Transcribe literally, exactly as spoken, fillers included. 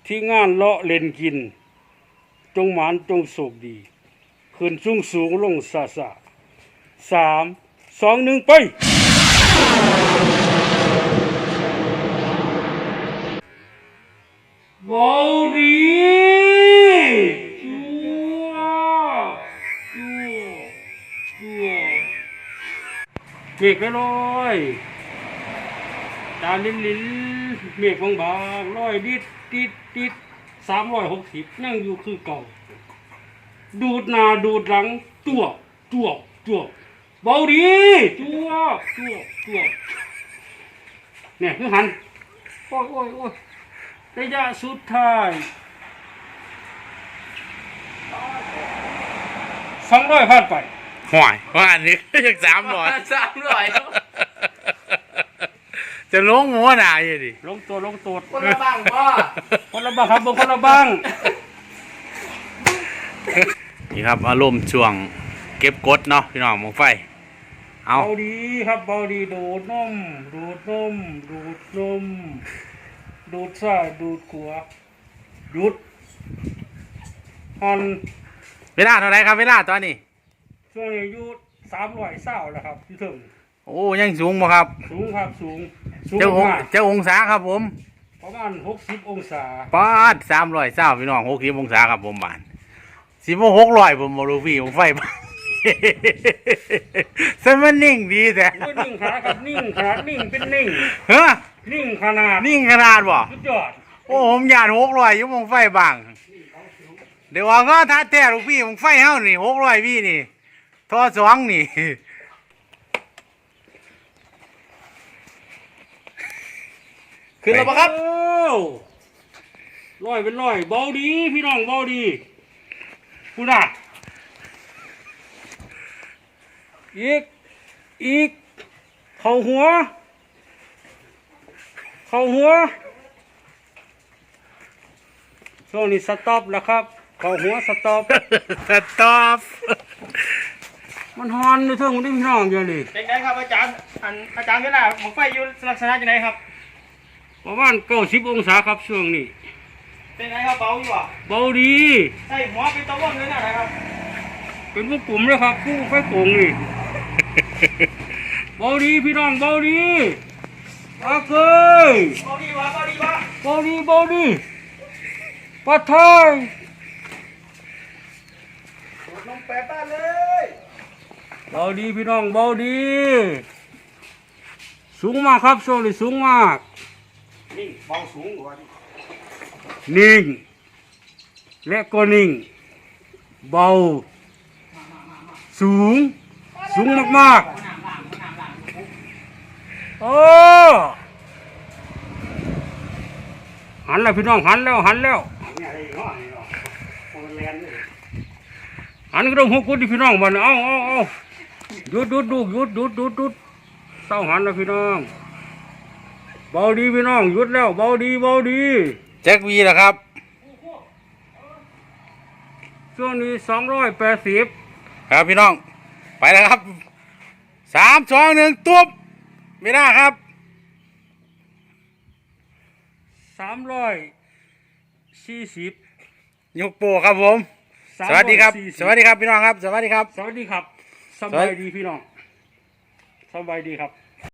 ที่งานเลาะเล่นกินจงหมานจงโศกดีขึ้นสูงสูงลงซาซาสามสองหนึ่งไปบอดีจัวจัวจัวเมฆลอยตาลิ้นลิ้นเมฆบางบางลอยดิดดิดดิดสามร้อยหกสิบนั่งอยู่คือเก่าดูดหน้าดูดหลังตัวตัวตัวเบาดีตัวตัวตัวเนี่ยคือหันโอ้ยโอ้ยโอ้ยระยะสุดท้ายสองร้อยผ่านไปห่วยว่าอันนี้ยังสามร้อยสามร้อยจะลงหัวหนาอยู่ดิลงตัวลงตัวคนละบ้างพ่อคนละบ้างครับบางคนละบ้างนี่ครับอารมณ์ช่วงเก็บกดเนาะพี่น้องมองไฟเอาเบาดีครับเบาดีดูดนมดูดนมดูดนมดูดซ้ายดูดขวาดูดหันเวลาเท่าไรครับเวลาตอนนี้ช่วงนี้อายุสามร้อยเศร้าแล้วครับที่ถึงโอ้ยังสูงบ่ครับสูงครับสูงเจ้าองเจ้าองศาครับผมประมาณหกสิบองศาปาดสามร้อยเศร้าพี่น้องหกสิบองศาครับผมบ้านสิบหกร้อยผมบรูฟี่ผมไฟบ้านสมันนิ่งดีแต่นิ่งขาครับนิ่งขานิ่งเป็นนิ่งเฮ้อนิ่งขนาดนิ่งขนาดบ่สุดยอดโอ้ผมยานหกร้อยยุ่งไฟบางเดี๋ยวว่าก็ท้าแท้ลูกพี่ผมไฟเฮานี่หกร้อยพี่นี่ทอสองนี่ขึ้นแล้วปะครับร้อยเป็นร้อยเบาดีพี่น้องเบาดีคุณน่ะอีกอีกเข่าหัวเข่าหัวช่วงนี้สต็อปแล้วครับเข่าหัวสต็อปสต็อปมันฮอนในเท่าของที่พี่น้องเยอะเลยเป็นไงครับอาจารย์อันอาจารย์ก็ได้หมกไฟอยู่ลักษณะยังไงครับประมาณเก้าสิบองศาครับช่วงนี้เป็นไงครับเบาอยู่อ่ะเบาดีใช่หัวเป็นตะวันเลยนะครับเป็นพวกกลุ่มเลยครับผู้ไฟโป่งนี่เบาดีพี่น้องเบาดีโอเคเบาดีวะเบาดีวะเบาดีเบาดีปะทายลงแปดบ้านเลยเบาดีพี่น้องเบาดีสูงมากครับช่วงนี้สูงมากนิ่งเบาสูงกว่านิ่งและก็นิ่งเบาสูงสูงมากๆโอ้หันแล้วพี่น้องหันแล้วหันแล้วหันก็ต้องหัวกุดพี่น้องมันเอาเอาเอาหยุดหยุดดูหยุดหยุดหยุดหยุดเศร้าหันแล้วพี่น้องเบาดีพี่น้องหยุดแล้วเบาดีเบาดีแจ็ควีนะครับช่วงนี้สองร้อยแปดสิบครับพี่น้องไปแล้วครับสามสองหนึ่งตุ๊บไม่ได้ครับสามร้อยสี่สิบยกโปครับผมสวัสดีครับสวัสดีครับพี่น้องครับสวัสดีครับสวัสดีครับสบายดีพี่น้องสบายดีครับ